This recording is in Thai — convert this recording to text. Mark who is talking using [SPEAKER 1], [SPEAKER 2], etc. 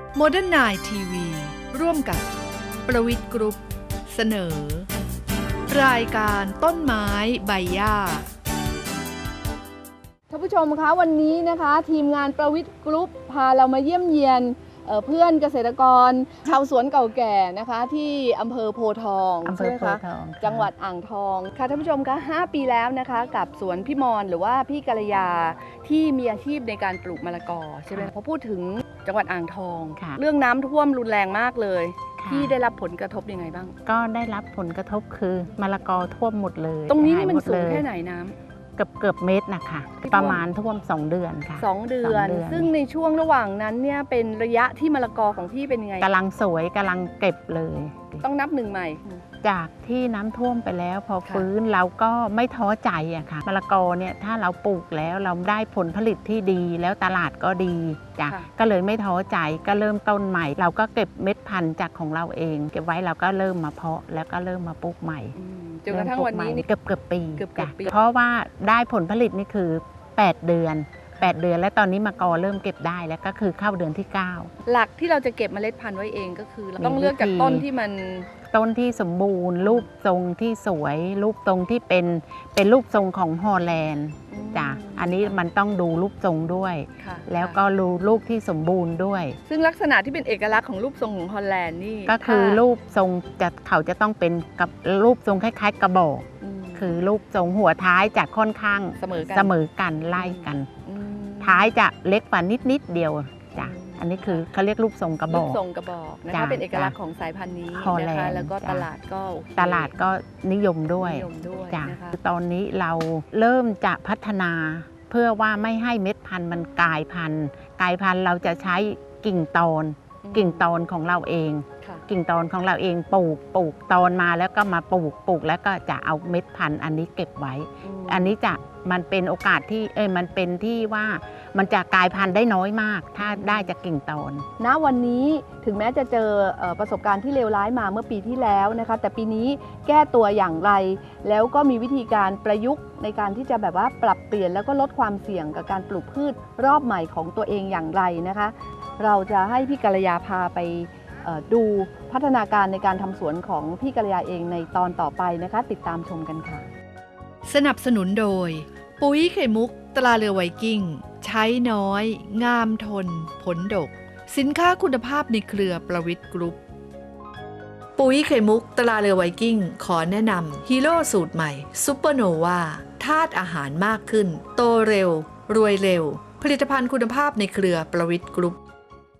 [SPEAKER 1] โมเดิร์นไนน์ทีวีร่วมกับประวิทย์กรุ๊ปเสนอ รายการต้นไม้ใบหญ้า
[SPEAKER 2] ท่านผู้ชมคะวันนี้นะคะทีมงานประวิทย์กรุ๊ปพาเรามาเยี่ยมเยียนเพื่อนเกษตรกรชาวสวนเก่าแก่นะคะที่อำเภอโพธิ์ทองใช่ไหมคะจังหวัดอ่างทองค่ะท่านผู้ชมคะ5 ปีแล้วนะคะกับสวนพี่มรหรือว่าพี่กัลยาที่มีอาชีพในการปลูกมะละกอใช่ไหมพอพูดถึงจังหวัดอ่างทองเรื่องน้ำท่วมรุนแรงมากเลยที่ได้รับผลกระทบยังไงบ้าง
[SPEAKER 3] ก็ได้รับผลกระทบคือมะละกอท่วมหมดเลย
[SPEAKER 2] ตรงนี้นี่มันสูงแค่ไหนน้ำ
[SPEAKER 3] เกือบเมตรนะคะประมาณท่วม2 เดือนค่ะ
[SPEAKER 2] 2 เดือนซึ่งในช่วงระหว่างนั้นเนี่ยเป็นระยะที่มะละกอของพี่เป็นยังไง
[SPEAKER 3] กำลังสวยกำลังเก็บเลย
[SPEAKER 2] ต้องนับหนึ่งใหม่
[SPEAKER 3] จากที่น้ำท่วมไปแล้วพอฟื้นเราก็ไม่ท้อใจอะค่ะมะละกอเนี่ยถ้าเราปลูกแล้วเราได้ผลผลิตที่ดีแล้วตลาดก็ดีจ้ะก็เลยไม่ท้อใจก็เริ่มต้นใหม่เราก็เก็บเม็ดพันธุ์จากของเราเองเก็บไว้เราก็เริ่มมาเพาะแล้วก็เริ่มมาปลูกใหม่
[SPEAKER 2] จนกระทั่งวันนี้
[SPEAKER 3] เกือบปีจ้ะเพราะว่าได้ผลผลิตนี่คือ8 เดือนและตอนนี้มะกอเริ่มเก็บได้แล้วก็คือเข้าเดือนที่9
[SPEAKER 2] หลักที่เราจะเก็บเมล็ดพันธุ์ไว้เองก็คือเราต้องเลือกจากต้นที่มัน
[SPEAKER 3] ต้นที่สมบูรณ์รูปทรงที่สวยรูปทรงที่เป็นรูปทรงของฮอลแลนด์จ้ะอันนี้มันต้องดูรูปทรงด้วยแล้วก็รูปที่สมบูรณ์ด้วย
[SPEAKER 2] ซึ่งลักษณะที่เป็นเอกลักษณ์ของรูปทรงของฮอลแลนด์นี่
[SPEAKER 3] ก็คือรูปทรงเขาจะต้องเป็นกับรูปทรงคล้ายๆกระบอกคือรูปทรงหัวท้ายจะค่อนข้างเสมอกันไล่กันท้ายจะเล็กกว่านิดเดียวจ้ะอันนี้คือเขาเรียกรูปทรงกระบอก
[SPEAKER 2] นะคะเป็นเอกลักษณ์ของสายพันธุ์นี้นะคะแล้วก็ตลาด
[SPEAKER 3] ก็นิยมด้วยจ้ะตอนนี้เราเริ่มจะพัฒนาเพื่อว่าไม่ให้เม็ดพันธุ์มันกลายพันธุ์เราจะใช้กิ่งตอนของเราเองกิ่งตอนของเราเองปลูกตอนมาแล้วก็มาปลูกแล้วก็จะเอาเม็ดพันธุ์อันนี้เก็บไว้อันนี้มันเป็นโอกาสที่มันเป็นที่ว่ามันจะกลายพันธุ์ได้น้อยมากถ้าได้จากกิ่งตอน
[SPEAKER 2] ณวันนี้ถึงแม้จะเจอประสบการณ์ที่เลวร้ายมาเมื่อปีที่แล้วนะคะแต่ปีนี้แก้ตัวอย่างไรแล้วก็มีวิธีการประยุกต์ในการที่จะแบบว่าปรับเปลี่ยนแล้วก็ลดความเสี่ยงกับการปลูกพืชรอบใหม่ของตัวเองอย่างไรนะคะเราจะให้พี่กัลยาพาไปดูพัฒนาการในการทำสวนของพี่กัลยาเองในตอนต่อไปนะคะติดตามชมกันค่ะ
[SPEAKER 1] สนับสนุนโดยปุ๋ยไข่มุกตราเรือไวกิ้งใช้น้อยงามทนผลดกสินค้าคุณภาพในเครือประวิทย์กรุ๊ปปุ๋ยไข่มุกตราเรือไวกิ้งขอแนะนำฮีโร่สูตรใหม่ซุปเปอร์โนวาธาตุอาหารมากขึ้นโตเร็วรวยเร็วผลิตภัณฑ์คุณภาพในเครือประวิทย์กรุ๊ป